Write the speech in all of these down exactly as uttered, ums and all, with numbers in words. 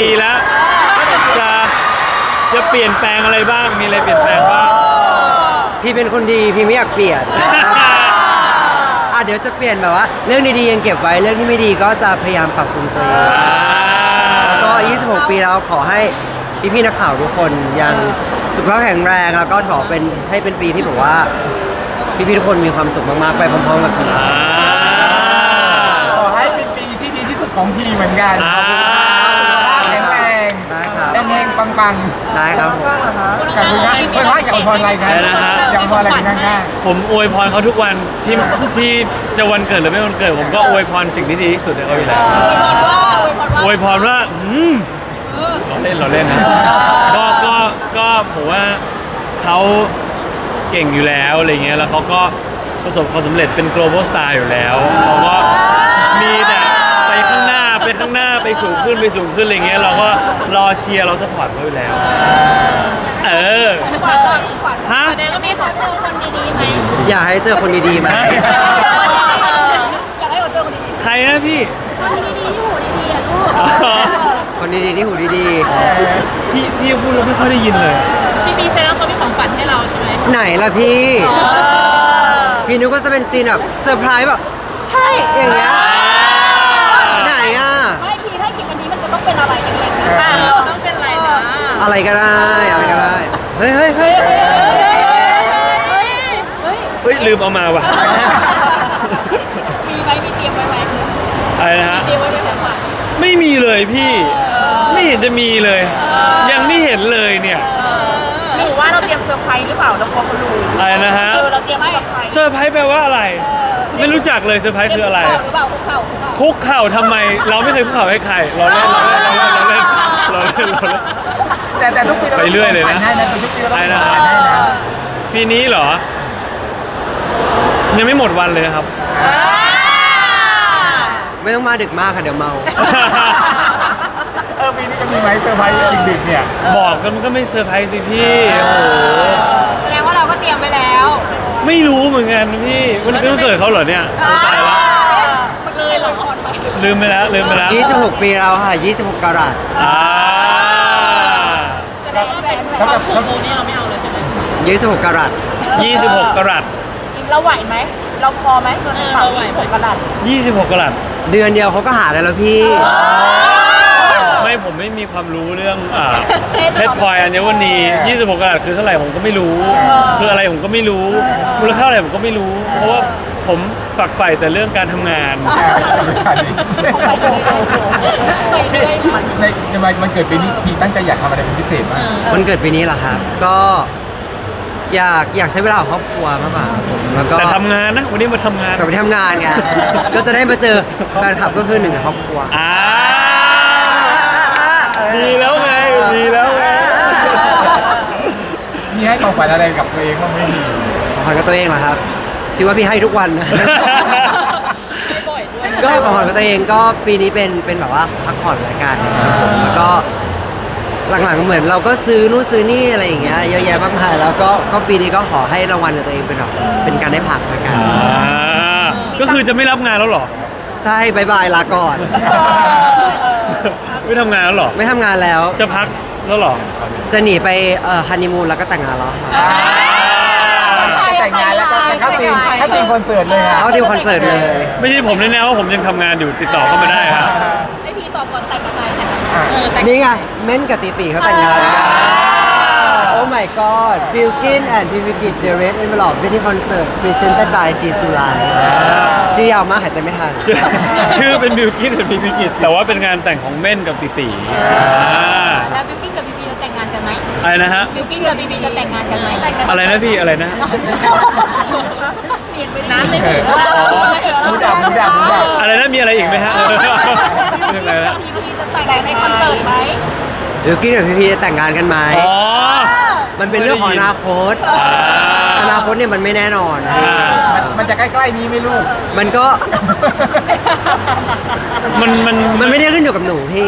ปีแล้วจะจะเปลี่ยนแปลงอะไรบ้างมีอะไรเปลี่ยนแปลงบ้างพี่เป็นคนดีพี่ไม่อยากเปลี่ยนอ่ะเดี๋ยวจะเปลี่ยนแบบว่าเรื่องดีๆยังเก็บไว้เรื่องที่ไม่ดีก็จะพยายามปรับปรุงตัวเองแล้วก็ยี่สิบหกปีแล้วขอให้พี่ๆนักข่าวทุกคนยังสุขภาพแข็งแรงแล้วก็ขอเป็นให้เป็นปีที่แบบว่าพี่ๆทุกคนมีความสุขมากๆไปพร้อมๆกับพี่ขอให้เป็นปีที่ดีที่สุดของทีเหมือนกันขอบคุณครับแข็งแรงได้ครับแรงๆปังๆได้ครับผมขอบคุณครับเพื่อนว่าอยากอวยพรอะไรกันอยากอวยพรอะไรกันง่ายผมอวยพรเขาทุกวันที่ที่จะวันเกิดหรือไม่วันเกิดผมก็อวยพรสิ่งที่ดีที่สุดให้เขาอยู่แล้วอวยพรว่าอืมเราเล่นเราเล่นนะก็ก็ก็ผมว่าเขาเก่งอยู่แล้วอะไรเงี้ยแล้วเขาก็ประสบความสำเร็จเป็น global star อยู่แล้วเขาก็มีแต่ไปข้างหน้าไปข้างหน้าไปสูงขึ้นไปสูงขึ้นอะไรเงี้ยเราก็รอเชียร์เราสปอร์ตเขาอยู่แล้วเออขวัญขวัญฮะเดี๋ยวก็มีขอเจอคนดีๆไหมอยากให้เจอคนดีๆไหมอยากให้เราเจอคนดีใครนะพี่ๆคนดีๆที่หูดีๆอ่ะลูกคนดีๆที่หูดีพี่พี่พูดเราไม่ค่อยได้ยินเลยพี่ปีเซนแล้วเขามีของฝันให้เราใช่ไหมๆไหนล่ะพี่พี่นึกว่าจะเป็นซีนแบบเซอร์ไพรส์แบบเฮ้ยอย่างเงี้ยไหนอ่ะไม่พี่ถ้าหยิบอันนี้มันจะต้องเป็นอะไรอย่างเงี้ยค่ะต้องเป็นอะไรนะอะไรก็ได้อะไรก็ได้เฮ้ยเฮ้ยเฮ้ยเฮ้ยเฮ้ยเฮ้ยลืมเอามาว่ะมีไหมมีเตรียมไว้ไหมอะไรนะฮะเตรียมไว้ไหมแบบว่าไม่มีเลยพี่ไม่เห็นจะมีเลยยังไม่เห็นเลยเนี่ยหรือว่าเราเตรียมเซอร์ไพรส์หรือเปล่าเรากลัวเขารู้อะไรนะฮะเออเราเตรียมเซอร์ไพรส์เซอร์ไพรส์แปลว่าอะไรไม่รู้จักเลยเซอร์ไพรส์คืออะไรหรือเปล่าคุกเข่าคุกเข่าทำไมเราไม่เคยคุกเข่าให้ใครเราเล่นเราเล่นเราเล่นเราเล่นเราเล่นแต่แต่ทุกปีเราไปเรื่อยเลยนะทุกปีเราต้องผ่านให้นะปีนี้เหรอยังไม่หมดวันเลยครับไม่ต้องมาดึกมากค่ะเดี๋ยวเมาเออปีนี้จะมีไหมเซอร์ไพรส์ดึกๆเนี่ยบอกกันมันก็ไม่เซอร์ไพรส์สิพี่โอ้โหแสดงว่าเราก็เตรียมไปแล้วไม่รู้เหมือนกันพี่วันนี้ก็เกิดเขาเหรอเนี่ยตายแล้วมันเลยเราผ่อนไปลืมไปแล้วลืมไปแล้วยี่สิบหกปีเราค่ะยี่สิบหกกะรัตอ่าแสดงว่าเป็นความผูกโบนี่เราไม่เอาเลยใช่ไหมยี่สิบหกกะรัตยี่สิบหกกะรัตเราไหวไหมเราพอไหมเงินเราไหวไหมกะรัตยี่สิบหกกะรัตเดือนเดียวเขาก็หาได้แล้วพี่ไม่ผมไม่มีความรู้เรื่องอ่าเพชรพลอยอัญมณียี่สิบหกกะรัตคือเท่าไหร่ผมก็ไม่รู้คืออะไรผมก็ไม่รู้มูลค่าอะไรผมก็ไม่รู้เพราะว่าผมฝักใฝ่แต่เรื่องการทำงานในในมันเกิดปีนี้พี่ตั้งใจอยากทำอะไรเป็นพิเศษมากมันเกิดปีนี้เหรอครับก็อยากอยากใช้เวลากับครอบครัวมากกว่าแล้วก็แต่ทำงานนะวันนี้มาทำงานแต่ไปทำงานไงก็จะได้มาเจอแฟนคลับก็คือหนึ่งในครอบครัวอ่าดีแล้วไงดีแล้วไงมีให้ของฝันอะไรกับตัวเองบ้างไม่มีของขวัญกับตัวเองเหรอครับที่ว่าพี่ให้ทุกวันนะก็ของขวัญกับตัวเองก็ปีนี้เป็นเป็นแบบว่าพักผ่อนรายการนะครับผมแล้วก็หลังๆเหมือนเราก็ซื้อนู่นซื้อนี่อะไรอย่างเงี้ยเยอะแยะมากมายแล้วก็ก็ปีนี้ก็ขอให้รางวัลกับตัวเองเป็นแบบเป็นการได้พักรายการก็คือจะไม่รับงานแล้วหรอใช่บายบายลาก่อนไม่ทำงานแล้วหรอไม่ทำงานแล้วจะพักแล้วหรอจะหนีไปเอ่อฮันนีมูนแล้วก็แต่งงานแล้วค่ะแต่งงานแล้วก็เข้าทีมเข้าทีมคอนเสิร์ตเลยค่ะเข้าทีมคอนเสิร์ตเลยไม่ใช่ผมแน่ๆว่าผมยังทำงานอยู่ติดต่อเข้ามาได้ครับให้พี่ตอบก่อนแต่งกับใครแต่นี่ไงเม้นกับติติเขาแต่งงานโอ้ my god Bilkin and Pivigit The Red Envelope Wedding Concert Presented by G Sulai ชื่อยาวมากหายใจไม่ทันชื่อเป็น Bilkin and Pivigit แต่ว่าเป็นงานแต่งของเม่นกับติติแล้วบิวกิ้นกับบีบีจะแต่งงานกันไหมอะไรนะฮะบิวกิ้นกับบีบีจะแต่งงานกันไหมอะไรนะพี่อะไรนะน้ำในหูหูดับหูดับหูดับอะไรนะมีอะไรอีกไหมฮะบิวกิ้นกับบีบีจะแต่งงานในคอนเสิร์ตไหมบิวกิ้นกับพี่พีจะแต่งงานกันไหมอ๋อมันเป็นเรื่องของอนาคตอนาคตเนี่ยมันไม่แน่นอนมันจะใกล้ๆนี้ไม่รู้มันก็มันมันมันไม่ได้ขึ้นอยู่กับหนูพี่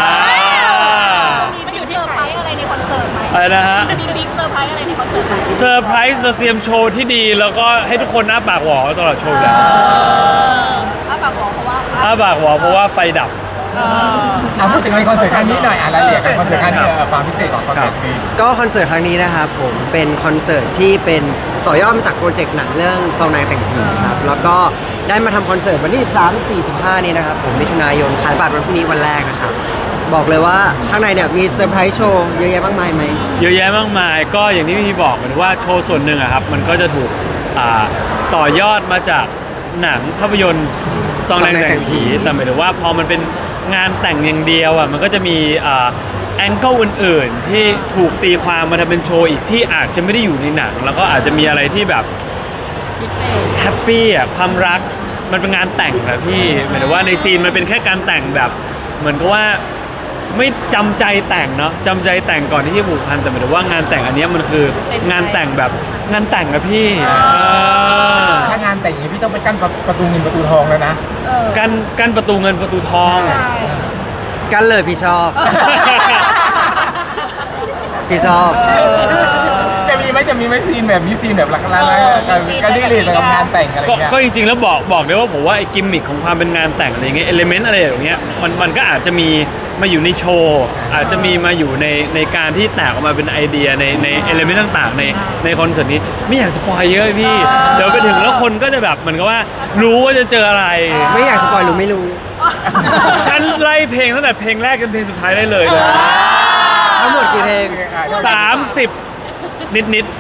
มันอยู่ที่เซอร์ไพรส์อะไรในคอนเสิร์ตไหมอะไรนะฮะจะมีบิ๊กเซอร์ไพรส์อะไรในคอนเสิร์ตไหมเซอร์ไพรส์จะเตรียมโชว์ที่ดีแล้วก็ให้ทุกคนอ้าปากหวอตลอดโชว์เลยอ้าปากหวอเพราะว่าอ้าปากหวอเพราะว่าไฟดับเอาพูดถึงในคอนเสิร์ตครั้งนี้หน่อยอ่ะรายละเอียดของคอนเสิร์ตครั้งนี้เออความพิเศษของคอนเสิร์ตนี้ก็คอนเสิร์ตครั้งนี้นะครับผมเป็นคอนเสิร์ตที่เป็นต่อยอดมาจากโปรเจกต์หนังเรื่องซองนายแต่งผีครับแล้วก็ได้มาทำคอนเสิร์ตวันที่สิบสาม สี่ สิบห้านี้นะครับผมมิถุนายนขายบัตรวันพรุ่งนี้วันแรกนะครับบอกเลยว่าข้างในเนี่ยมีเซอร์ไพรส์โชว์เยอะแยะมากมายไหมเยอะแยะมากมายก็อย่างที่พี่บอกเหมือนว่าโชว์ส่วนหนึ่งอะครับมันก็จะถูกอ่าต่อยอดมาจากหนังภาพยนตร์ซองแดงแต่งผีแต่หมายถึงว่าพอมันเป็นงานแต่งอย่างเดียวอ่ะมันก็จะมีอ่าแองเกิลอื่นๆที่ถูกตีความมาทำเป็นโชว์อีกที่อาจจะไม่ได้อยู่ในหนัง แล้วก็อาจจะมีอะไรที่แบบแฮปปี้อ่ะความรักมันเป็นงานแต่งอะพี่หมายถึงว่าในซีนมันเป็นแค่การแต่งแบบเหมือนกับว่าไม่จำใจแต่งเนาะจำใจแต่งก่อนที่จะผูกพันแต่หมายถึงว่างานแต่งอันเนี้ยมันคืองานแต่งแบบงานแต่งอะพี่เออถ้างานแต่งอย่างนี้พี่ต้องไปกั้นประตูเงินประตูทองแล้วนะกันกันประตูเงินประตูทองกันเลยพี่ชอบ พี่ชอบจะมีไหมจะมีไหมซีนแบบนี้ซีนแบบหลักๆกันกันดีเลยกับงานแต่งอะไรก็เงี้ยก็จริงๆแล้วบอกบอกเลยว่าผมว่าไอ้กิมมิคของความเป็นงานแต่งอะไรเงี้ยเอลิเมนต์อะไรอย่างเงี้ยมันมันก็อาจจะมีมาอยู่ในโชว์อาจจะมีมาอยู่ในในการที่แตกออกมาเป็นไอเดียในในเอลิเมนต์ต่างๆในในคอนเสิร์ตนี้ไม่อยากสปอยเยอะพี่เดี๋ยวไปถึงแล้วคนก็จะแบบเหมือนกับว่ารู้ว่าจะเจออะไรไม่อยากสปอยหรือไม่รู้ฉันไล่เพลงตั้งแต่เพลงแรกจนเพลงสุดท้ายได้เลยเลยทั้งหมดกี่เพลงสามสิบนิดนิด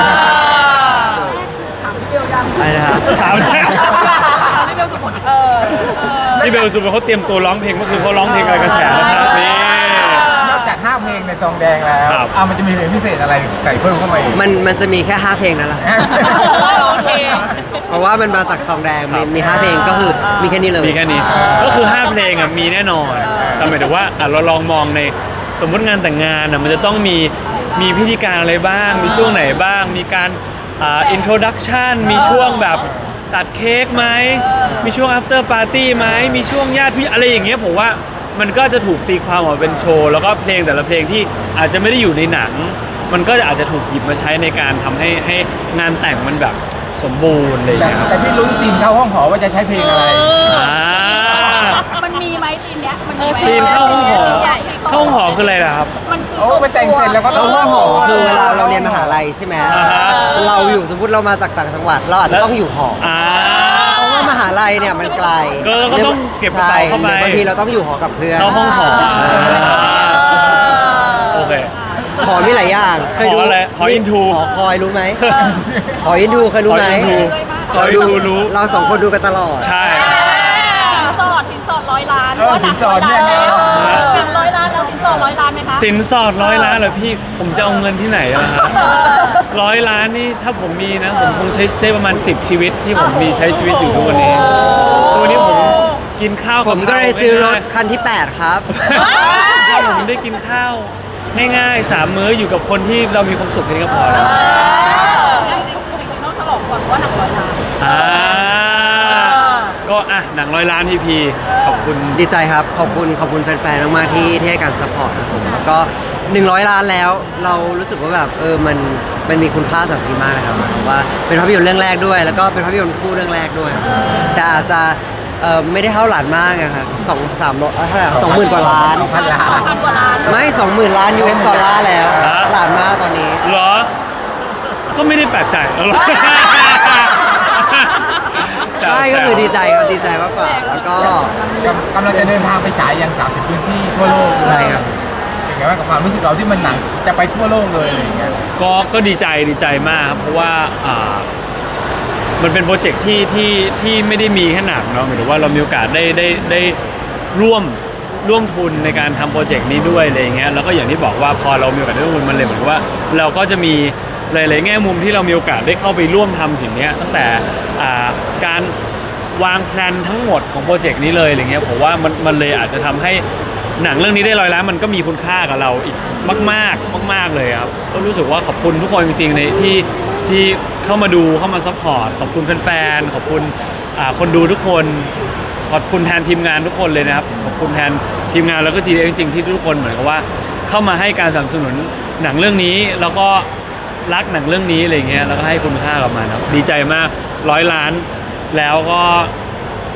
อะไรนะครับๆถามแล้วพี่เบลสุพลเออพี่เบลสุดเขาเตรียมตัวร้องเพลงก็คือเขาร้องเพลงอะไรกันแฉนะครับนี่นอกจากห้าเพลงในซองแดงแล้วครับอ่ะมันจะมีเพลงพิเศษอะไรใส่เพิ่มเข้ามาอีกมันมันจะมีแค่ห้าเพลงนั่นแหละโอเคเพราะว่ามันมาจากซองแดงมีมีห้าเพลงก็คือมีแค่นี้เลยมีแค่นี้ก็คือห้าเพลงอ่ะมีแน่นอนแต่หมายถึงว่าอ่ะเราลองมองในสมมติงานแต่งงานอ่ะมันจะต้องมีมีพิธีการอะไรบ้าง มีช่วงไหนบ้าง มีการอ่าอินโทรดักชันมีช่วงแบบตัดเค้กไหมมีช่วง after party ไหมมีช่วงญาติพี่อะไรอย่างเงี้ยผมว่ามันก็จะถูกตีความออกมาเป็นโชว์แล้วก็เพลงแต่ละเพลงที่อาจจะไม่ได้อยู่ในหนัง มันก็อาจจะถูกหยิบมาใช้ในการทำให้ให้งานแต่งมันแบบสมบูรณ์อะไรอย่างแต่เงี้ยครับแต่พี่ลุ้นซีนเข้าห้องหอว่าจะใช้เพลงอะไรอ่ามันมีไหมซีนเนี้ยมันมีไหมซีนเข้าห้องหอเข้าห้องหอคืออะไรล่ะครับมันคือโอ้ไปแต่งเสร็จแล้วก็ต้แล้องวห้องหอคือเวลาเราเรียนมหาลัยใช่ไหมอ่าฮะเราอยู่สมมติเรามาจากต่างจังหวัด เราอาจจะต้องอยู่หออ่าเพราะว่ามหาลัยเนี่ยมันไกลก็ก็ต้องเก็บกระเป๋าเข้าไปใช่หรือบางทีเราต้องอยู่หอกับเพื่อนเข้าห้องหอเออโอเคหอมีหลายอย่างเคยดูหออะไรหออินทูหอคอยรู้ไหมหออินทูเคยรู้ไหมหออินทูหออินทูหออินทูรู้เราสองคนดูกันตลอดใช่สินสอดสินสอดร้อยล้านเออสินสอดเนี่ยหนังร้อยล้านแล้วสินสอดร้อยล้านไหมคะสินสอดร้อยล้านเหรอพี่ ผมจะเอาเงินที่ไหนอะครับร้อยล้านนี่ถ้าผมมีนะ ผมคงใช้ใช้ประมาณสิบชีวิตที่ผมมีใช้ชีวิตอยู่ทุกวันนี้ทุกวันนี้ผมกินข้าวผมก็เลยซื้อรถคันที่แปดครับถ้าผมได้กินข้าวง่ายๆสามมื้ออยู่กับคนที่เรามีความสุขแค่นี้ก็พอแล้วต้องฉลองก่อนว่าหนังร้อยล้านอ่าก็อ่ะหนังร้อยล้านพีพีขอบคุณดีใจครับ ขอบคุณขอบคุณแฟนๆ มากๆ ที่ที่ให้การซัพพอร์ตนะผมแล้วก็หนึ่งร้อยล้านแล้ว เรารู้สึกว่าแบบเออมันมันมีคุณค่าสำหรับพี่มากเลยครับหมายความว่าเป็นภาพยนตร์เรื่องแรกด้วย แล้วก็เป็นภาพยนตร์คู่เรื่องแรกด้วย แต่อาจจะเออไม่ได้เท่าหลานมากอะครับสองสามร้อยเท่าไหร่สองหมื่นกว่าล้านสองพันล้านพันกว่าล้านไม่สองหมื่นล้าน ยู เอส ดอลลาร์แล้วฮะหลานมากตอนนี้เหรอ ก็ไม่ได้แปลกใจหรอกแซวใช่ก็แซวคือดีใจครับดีใจมากกว่าแล้วก็กำลังจะเดินทางไปฉายยังสามสิบพื้นที่ทั่วโลกใช่ครับเป็นไงบ้างกับความรู้สึกเราที่มันหนังจะไปทั่วโลกเลยอะไรอย่างเงี้ยก็ก็ดีใจดีใจมากครับเพราะว่าอ่ามันเป็นโปรเจกต์ที่ที่ที่ไม่ได้มีแค่หนังเนาะหมายถึงว่าเรามีโอกาสได้ได้ได้ร่วมร่วมทุนในการทำโปรเจกต์นี้ด้วยอะไรอย่างเงี้ยแล้วก็อย่างที่บอกว่าพอเรามีโอกาสได้ร่วมทุนมันเลยเหมือนกับว่าเราก็จะมีหลายๆแง่มุมที่เรามีโอกาสได้เข้าไปร่วมทำสิ่งเนี้ยตั้งแต่อ่าการวางแผนทั้งหมดของโปรเจกต์นี้เลยอะไรเงี้ยผมว่ามันมันเลยอาจจะทำให้หนังเรื่องนี้ได้ร้อยล้านมันก็มีคุณค่ากับเราอีกมากๆมากๆเลยครับก็รู้สึกว่าขอบคุณทุกคนจริงๆในที่ที่เข้ามาดูเข้ามาซัพพอร์ตขอบคุณแฟนๆขอบคุณอ่าคนดูทุกคนขอบคุณแทนทีมงานทุกคนเลยนะครับขอบคุณแทนทีมงานแล้วก็ จี ดี เอ็กซ์ จริงๆที่ทุกคนเหมือนกับว่าเข้ามาให้การสนับสนุนหนังเรื่องนี้แล้วก็รักหนังเรื่องนี้อะไรเงี้ยแล้วก็ให้คุณค่ากับมันครับดีใจมากร้อยล้านแล้วก็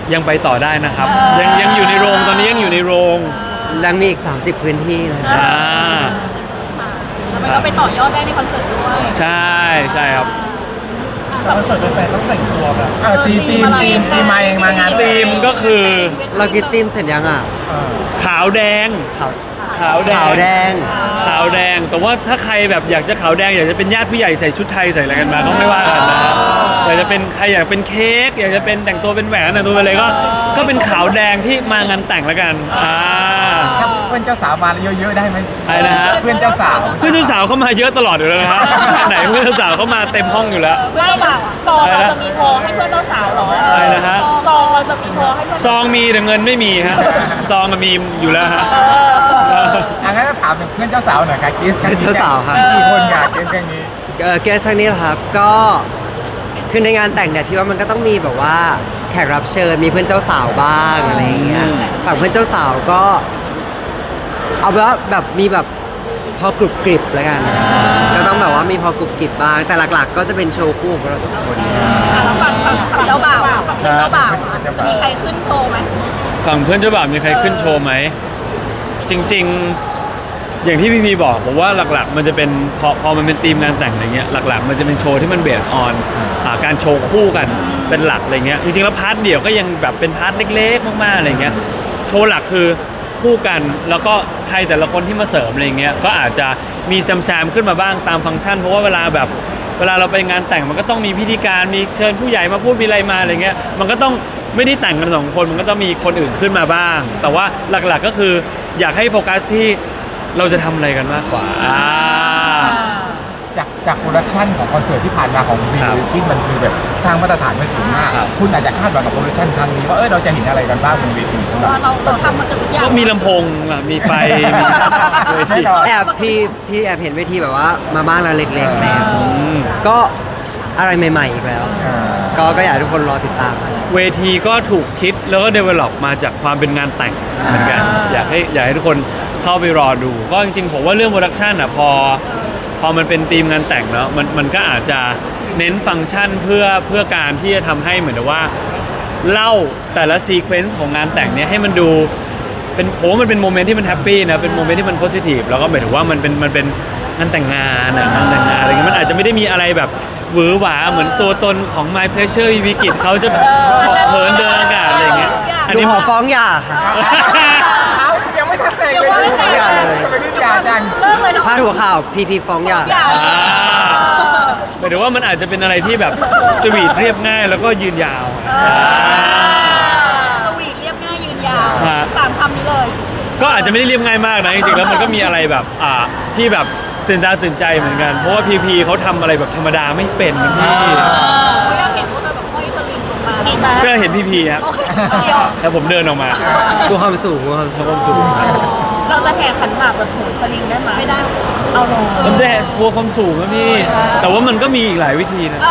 ยังไปต่อได้นะครับ ยังยังอยู่ในโรงตอนนี้ยังอยู่ในโรงแล้วมีอีก สามสิบ พื้นที่นะอ่าแล้วมันก็ไปต่อยอดได้ในคอนเสิร์ตด้วยใช่ใช่ครับเออทีมทีมทีมทีมมาเองมางานธีมก็คือเรากินทีมเสร็จยังอ่ะขาวแดงขาวขาวแดงขาวแดงขาวแดง แต่ว่าถ้าใครแบบอยากจะขาวแดงอยากจะเป็นญาติผู้ใหญ่ใส่ชุดไทยใส่อะไรกันมาก็ไม่ว่ากันนะอยากจะเป็นใครอยากเป็นเค้กอยากจะเป็นแต่งตัวเป็นแหวนแต่งตัวเป็นอะไรก็ก็เป็นขาวแดงที่มางานแต่งแล้วกันอ่าถ้าเพื่อนเจ้าสาวมาเยอะๆได้ไหมอะไรนะฮะเพื่อนเจ้าสาวเพื่อนเจ้าสาวเข้ามาเยอะตลอดอยู่แล้วนะฮะไหนเพื่อนเจ้าสาวเข้ามาเต็มห้องอยู่แล้วไม่เปล่าซองเราจะมีพอให้เพื่อนเจ้าสาวเหรออะไรนะฮะซองเราจะมีพอให้เพื่อนซองมีแต่เงินไม่มีฮะซองก็มีอยู่แล้วฮะอังั้นถ้าถามถึงเพื่อนเจ้าสาวหน่อยค่ะเกสครั้งนี้เจ้าสาวครับมีกี่คนค่ะเกสครั้งนี้เอ่อเกสครั้งนี้เหรอครับก็คือในงานแต่งเนี่ยพี่ว่ามันก็ต้องมีแบบว่าแขกรับเชิญมีเพื่อนเจ้าสาวบ้างอะไรอย่างเงี้ยฝั่งเพื่อนเจ้าสาวก็ เอาเป็นว่าแบบมีแบบพอกรุบกริบแล้วกัน ก็ต้องแบบว่ามีพอกรุบกริบบ้างแต่หลักๆ ก็จะเป็นโชว์คู่ของเราสองคนแล้วฝั่งฝั่งฝั่งเจ้าบ่าวฝั่งเจ้าบ่าวอะมีใครขึ้นโชว์ไหมฝั่งเพื่อนเจ้าบ่าวมีใครขึ้นโชว์ไหมจริง ๆ อย่างที่พี่พีบอกผมว่าหลักๆ มันจะเป็นพอพอมันเป็นธีมงานแต่งอะไรเงี้ยหลักๆ มันจะเป็นโชว์ที่มันเบสออนการโชว์คู่กันเป็นหลักอะไรเงี้ยจริงๆแล้วพาร์ทเดี่ยวก็ยังแบบเป็นพาร์ทเล็กๆมากๆอะไรเงี้ยโชว์หลักคือคู่กันแล้วก็ใครแต่ละคนที่มาเสริมอะไรเงี้ยก็อาจจะมีแซมๆขึ้นมาบ้างตามฟังก์ชันเพราะว่าเวลาแบบเวลาเราไปงานแต่งมันก็ต้องมีพิธีการมีเชิญผู้ใหญ่มาพูดมีอะไรมาอะไรเงี้ยมันก็ต้องไม่ได้แต่งกันสองคนมันก็ต้องมีคนอื่นขึ้นมาบ้าง แต่ว่าหลักๆก็คืออยากให้โฟกัสที่เราจะทำอะไรกันมากกว่าอ่าจากจากโปรดักชันของคอนเสิร์ตที่ผ่านมาของบีครับบิวกิ้งมันคือแบบสร้างมาตรฐานไว้สูงมากครับคุณอาจจะคาดหวังกับโปรดักชันครั้งนี้ว่าเออเราจะเห็นอะไรกันบ้างบนเวทีสำหรับว่าเราเราทำมาเกือบทุกอย่างก็มีลำโพงอ่ะมีไฟมีเวทีแน่นอนแอบพี่พี่แอบเห็นเวทีแบบว่ามาบ้างแล้วเล็กๆอะไรเลยอืมก็อะไรใหม่ๆอีกแล้วอ่าก็ก็อยากให้ทุกคนรอติดตามเวทีก็ถูกคิดแล้วก็ develop มาจากความเป็นงานแต่งเหมือนกันอยากให้อยากให้ทุกคนเข้าไปรอดู ก็จริงๆผมว่าเรื่องโปรดักชันอ่ะพอพอมันเป็นธีมงานแต่งแล้วมันมันก็อาจจะเน้นฟังก์ชันเพื่อเพื่อการที่จะทำให้เหมือนกับว่าเล่าแต่ละซีเควนซ์ของงานแต่งเนี้ยให้มันดูเป็นผมว่ามันเป็นโมเมนต์ที่มันแฮปปี้นะเป็นโมเมนต์ที่มันโพสิทีฟแล้วก็หมายถึงว่ามันเป็นมันเป็นงานแต่งงานอะงานแต่งงานอะไรเงี้ยมันอาจจะไม่ได้มีอะไรแบบหวือหวาเหมือนตัวตนของ My Pleasure วิกิตเขาจะเหินเดินอากาศอะไรเงี้ยอันดูนี้หอฟ้องหย่าค่ะเอ้ายังไม่ทันแต่งเลยยังไม่ทันแต่งเลยไม่ได้ยาจังเลิกเลยเนาะพาดหัวข่าวพีพีฟ้องหย่าอย่าอ่าหมายถึงว่ามันอาจจะเป็นอะไรที่แบบสวีทเรียบง่ายแล้วก็ยืนยาวอ่าสวีทเรียบง่ายยืนยาวฮะสามคำนี้เลยก็อาจจะไม่ได้เรียบง่ายมากนะจริงๆแล้วมันก็มีอะไรแบบอ่าที่แบบตื่นตาตื่นใจเหมือนกัน เพราะว่าพีพีเขาทำอะไรแบบธรรมดาไม่เป็นนะพี่เขาอยากเห็นพวกเธอแบบห้อยสลิงลงมาดีไหมก็เห็นพีพีครับโอเคเดียวแล้วผมเดินออกมาดูความสูงดูความสูงความสูงครับเราจะแห่ขันหมากแบบโหนสลิงได้ไหมไม่ได้ เอาลงผมจะกลัวความสูงนะพี่ แต่ว่ามันก็มีอีกหลายวิธีนะ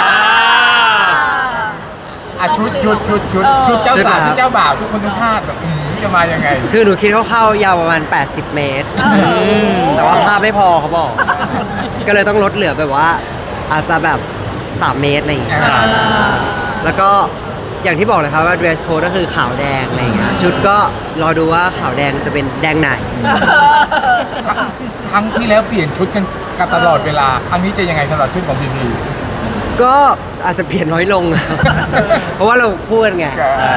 อ่ะชุดชุดชุดชุดชุดเจ้าสาวชุดเจ้าบ่าวทุกคนทุกชาติแบบอืมจะมายังไงคือหนูคิดคร่าวๆยาวประมาณ แปดสิบ เมตร แต่ว่าภาพไม่พอเขาบอก ก็เลยต้องลดเหลือแบบว่า อาจจะแบบ สาม เมตรอะไรอย่างเงี้ยอ่าแล้วก็อย่างที่บอกเลยครับว่า dress code ก็คือขาวแดงอะไรอย่างเงี้ย ชุดก็รอดูว่าขาวแดงจะเป็นแดงไหนครั้งที่แล้วเปลี่ยนชุดกันกันตลอดเวลา ครั้งนี้จะยังไงสำหรับชุดของบีบีก็อาจจะเปลี่ยนน้อยลง เพราะว่าเราคู่กันไง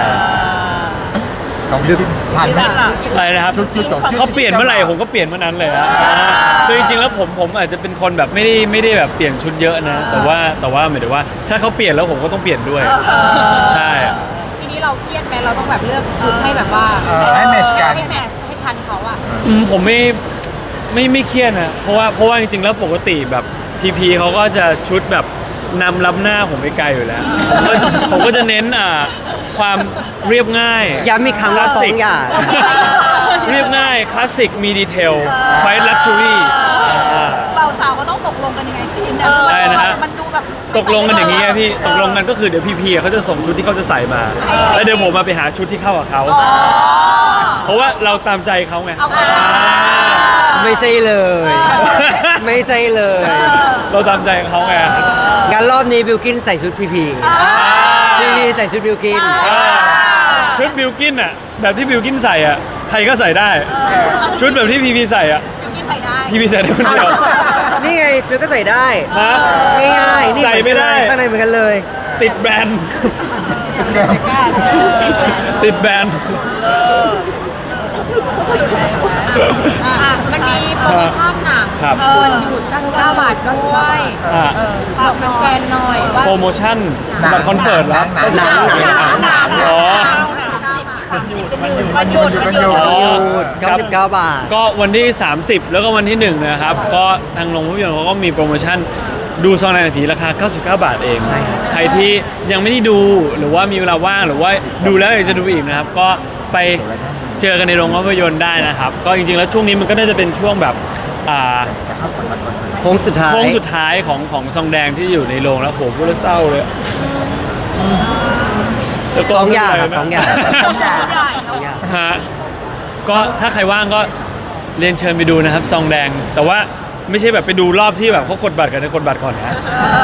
ของบีบีผ่านไหมอะไรนะครับชุดชุดของเขาเปลี่ยนเมื่อไหร่ผมก็เปลี่ยนเมื่อนั้นเลยอะคือจริงๆแล้วผมผมอาจจะเป็นคนแบบไม่ได้ไม่ได้แบบเปลี่ยนชุดเยอะนะ แต่ว่าแต่ว่าหมายถึงว่าถ้าเขาเปลี่ยนแล้วผมก็ต้องเปลี่ยนด้วยใช่ทีนี้เราเครียดไหมเราต้องแบบเลือกชุดให้แบบว่าเออให้แมทช์กันให้แมทช์ให้ทันเขาอ่ะอืมผมไม่ไม่ไม่เครียดนะเพราะว่าเพราะว่าจริงๆแล้วปกติแบบพีพีเขาก็จะชุดแบบนำล้ำหน้าผมไปไกลอยู่แล้วผมก็ผมก็จะเน้นอ่าความเรียบง่ายย้ำอีกครั้งว่าฟ้องหย่าเรียบง่ายคลาสสิกมีดีเทลไฟลักชัวรี่เบาสาวก็ต้องตกลงกันยังไงสิได้นะฮะมันดูแบบตกลงกันอย่างนี้ไงพี่ตกลงกันก็คือเดี๋ยวพีพีเขาจะส่งชุดที่เขาจะใส่มา แล้วเดี๋ยวผมมาไปหาชุดที่เข้ากับเขาอ๋อเพราะว่าเราตามใจเขาไงเอาไปไม่ใช่เลย ไม่ใช่เลยเราตามใจเขาไงงั้นรอบนี้บิวกินใส่ชุดพีพีพีพีใส่ชุดบิวกินอ่าชุดบิลกินอ่ะแบบที่บิลกินใส่อ่ะใครก็ใส่ได้ ชุดแบบที่พีพีใส่อ่ะบิวกินใส่ได้พีพีใส่ได้คนเดียวนี่ไงฟิวก็ใส่ได้ฮะง่ายๆนี่ใส่ไม่ได้ข้างในเหมือนกันเลยติดแบรนด์ติดแบรนด์อ่ะมันมีโปรโมชั่นหนังครับวันหยุดเก้าสิบเก้าบาทก็ด้วยอ่ะฝากแฟนๆหน่อยว่าโปรโมชั่นบัตรคอนเสิร์ตเหรอหนังหนังหนังหนังอ๋อสามสิบกันอยู่วันหยุดวันหยุดอ๋อหยุดเก้าสิบเก้าบาทก็วันที่ สามสิบ แล้วก็วันที่หนึ่งนะครับ ก็ทางโรงภาพยนตร์เขาก็มีโปรโมชั่นดูซองในหนังผีราคา เก้าสิบเก้า บาทเองใช่ครับใครที่ยังไม่ได้ดูหรือว่ามีเวลาว่างหรือว่าดูแล้วอยากจะดูอีกนะครับ ก็ไปเจอกันในโรงภาพยนตร์ได้นะครับ ก็จริงๆแล้วช่วงนี้มันก็น่าจะเป็นช่วงแบบอ่าโค้งสุดท้ายโค้งสุดท้ายของของซองแดงที่อยู่ในโรงแล้วโหพูดแล้วเศร้าเลยแต่ก็สองอย่างครับไม่สองอย่างสองอย่างสองอย่างฮะก็ถ้าใครว่างก็เรียนเชิญไปดูนะครับซองแดง แต่ว่าไม่ใช่แบบไปดูรอบที่แบบเขากดบัตรกันนะกดบัตรก่อนนะ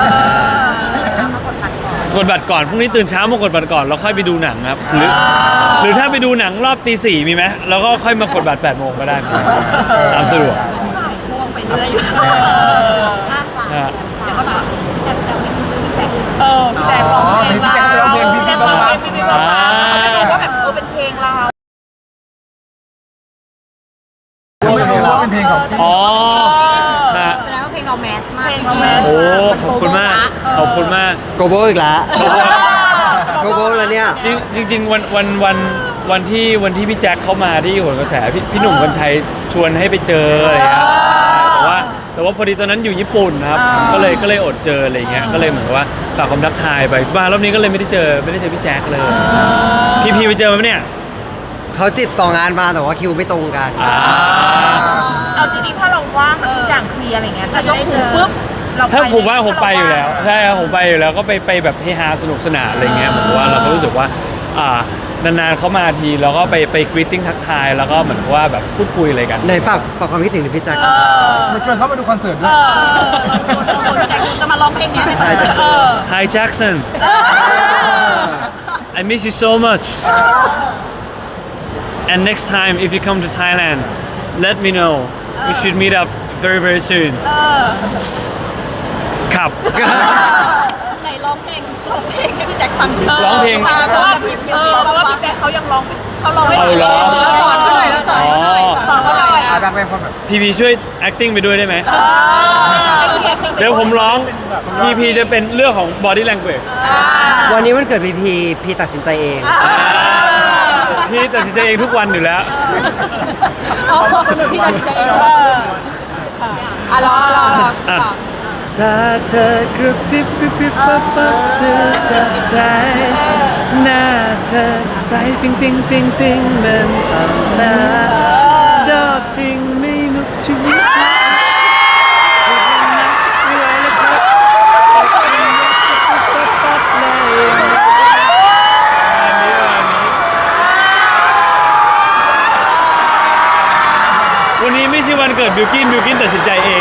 กดบัตรก่อนพรุ่งนี้ตื่นเช้ามากดบัตรก่อนแล้วค่อยไปดูหนังครับหรือหรือถ้าไปดูหนังรอบตีสี่มีไหมแล้วก็ค่อยมากดบัตรแปดโมงก็ได้ตามสะดวกพ่วงไปเรื่อยอยู่มากกว่าฮะเดี๋ยวก็แบบแอบแซวพี่แจ็คเออพี่แจ็คร้องเพลงพี่แจ็คร้องเพลงพี่แจ็คร้องเพลงพี่แจ็คร้องเพลงเขาจะบอกว่าแบบเออเป็นเพลงเราไม่รู้ว่าเป็นเพลงของพี่อ๋อฮะแสดงว่าเพลงเราแมสมากโอ้ขอบคุณมากขอบคุณมากโกโบอีกแล้วโกโบแล้วเนี่ยจริงจริงๆวันวันวันวันที่วันที่พี่แจ็คเข้ามาที่โหนกระแสพี่พี่หนุ่มกัญชัยชวนให้ไปเจออะไรเงี้ยแต่ว่าแต่ว่าพอดีตอนนั้นอยู่ญี่ปุ่นนะครับก็เลยก็เลยอดเจออะไรเงี้ยก็เลยเหมือนกับว่าฝากความทักทายไปมารอบนี้ก็เลยไม่ได้เจอไม่ได้เจอพี่แจ็คเลยพี่พีไปเจอไหมเนี่ยเขาติดต่องานมาแต่ว่าคิวไม่ตรงกันอ่าเอาจริงๆถ้าเราว่างทุกอย่างเคลียร์อะไรเงี้ยถ้ายกหูปุ๊บเราถ้าผมว่าผมไปอยู่แล้วใช่ครับผมไปอยู่แล้วก็ไปไปแบบเฮฮาสนุกสนานอะไรเงี้ยเหมือนกับว่าเราก็รู้สึกว่าอ่านานๆเขามาทีแล้วก็ไปไปกรีตติ้งทักทายแล้วก็เหมือนกับว่าแบบพูดคุยอะไรกันไหนฝากฝากความคิดถึงพี่แจ็คมาชวนเขามาดูคอนเสิร์ตด้วยจะมาร้องเพลงเนี้ยในคอนเสิร์ตเออ Hi Jackson I miss you so much and next time if you come to Thailand let me know we should meet up very very soon ครับไหนร้องเพลงร้องเพลงให้พี่แจ็คฟังร้องเพลงเพราะว่าเออเพราะว่าพี่แจ็คเขายังร้องเขาร้องไม่เอาเหรอเราสอนเขาหน่อยเราสอนเขาหน่อยสอนเขาหน่อยอาดังแรงความแบบพีพีช่วย acting ไปด้วยได้ไหมเดี๋ยวผมร้องพีพีจะเป็นเรื่องของ body language วันนี้วันเกิดพีพีพีตัดสินใจเองพี่ตัดสินใจเองทุกวันอยู่แล้วพี่แจ็คเองอ่ะรอรอรออ่ะ ถ้าเธอกระพริบพริบพริบปั๊บปั๊บเธอจะใจหน้าเธอใสปิ๊งปิ๊งปิ๊งปิ๊งเหมันอ่อนล้าชอบจริงไม่นุกชีวิตจะนักไม่ไหวแล้วครับปั๊บปั๊บเลยอันนี้อันนี้วันนี้ไม่ใช่วันเกิดบิวกินบิวกินตัดสินใจเอง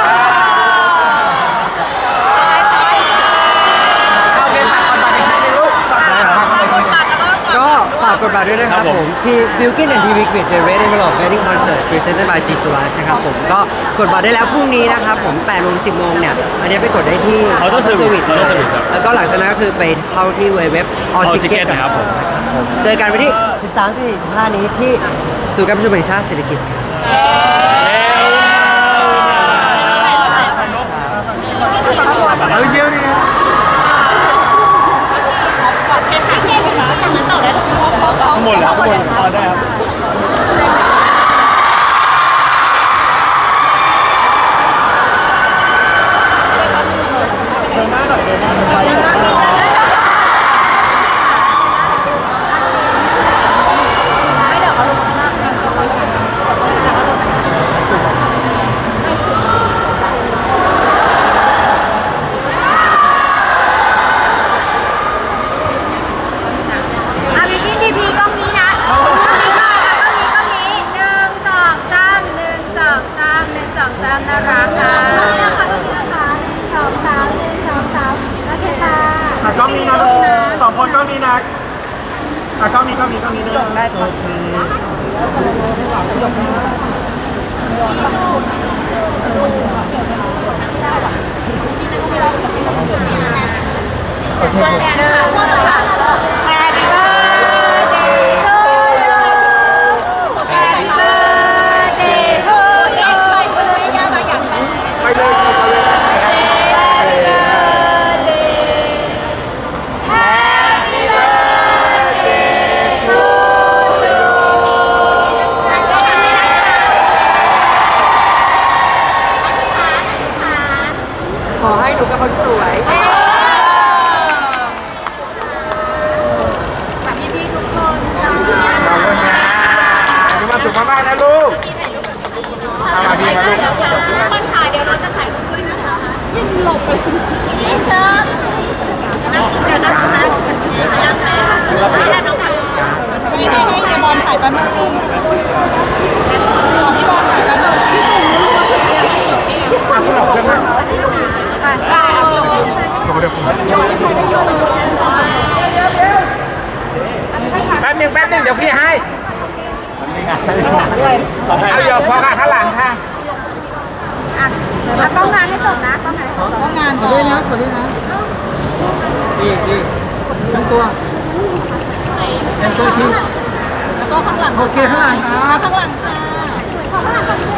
เอาเพลงฝากคอนบัตรอีกทีนึงลูกฝากฝากคอนบัตรอีกทีนึงก็ฝากกดบัตรด้วยนะครับครับผผม มพี่บิลกินแอนด์พีวิกวิดเดอะเรดเดนเวลล์เวดดิ้งคอนเสิร์ตพรีเซนต์บายจีซูไลฟ์นะครับผมก็กดบัตรได้แล้วพรุ่งนี้นะครับผมแปดโมงสิบโมงเนี่ยอันนี้ไปกดได้ที่ Auto Service Auto Service ครับแล้วก็หลังจากนั้นก็คือไปเข้าที่เว็บ All All Ticket Ticket นะครับผมนะครับผมเจอกันวันที่สิบสามถึงสิบห้านี้ที่ศูนย์การประชุมแห่งชาติเศรษฐกิจครับเอาเชียวนี่ ทั้งหมดแล้วทั้งหมดพอได้ครับอ่ะพี่พี่พีพีกล้องนี้นะกล้องนี้ค่ะกล้องนี้กล้องนี้หนึ่งสองสามหนึ่งสองสามหนึ่งสองสามนะคะค่ะนะคะก็คือนะคะหนึ่งสองสามหนึ่งสองสามโอเคค่ะกล้องนี้นะลูกสองคนกล้องนี้นะอ่ะกล้องนี้กล้องนี้กล้องนี้เนอะได้โอเคโอเคตัวแทนค่ะช่วยหน่อยค่ะ Happy birthday to you Happy birthday to you ไปคุณแม่ย่ามาอย่างไรไปเลยไปเลย Happy birthday Happy birthday to you อาจารย์ไม่ได้ค่ะอธิษฐานขอให้หนูเป็นคนสวยเอ้ยฝากพี่ๆทุกคนค่ะขอบคุณนะมีความสุขมากๆนะลูกเอามาพี่มาลูกเดี๋ยวเดี๋ยวคนถ่ายเดี๋ยวเราจะถ่ายรูปด้วยนะคะยิ่งหลบเลยยิ่งเชิญเดี๋ยวนะคะยังค่ะให้น้องให้ให้ให้เจบอลถ่ายแป๊บนึงพี่บอลถ่ายแป๊บนึงอ่ะคุณหลอกเรื่องนั้นไปไปจบเดี๋ยวผมแป๊บหนึงแป๊บหนึงเดี๋ยวพี่ให้เอาหยอกพอค่ะข้างหลังค่ะแล้วกล้องงานให้จบนะกล้องงานให้จบกล้องงานก่อนด้วยนะขอด้วยนะดีดีทั้งตัวทั้งตัวทีแล้วก็ข้างหลังโอเคข้างหลังครับข้างหลังค่ะข้างหลัง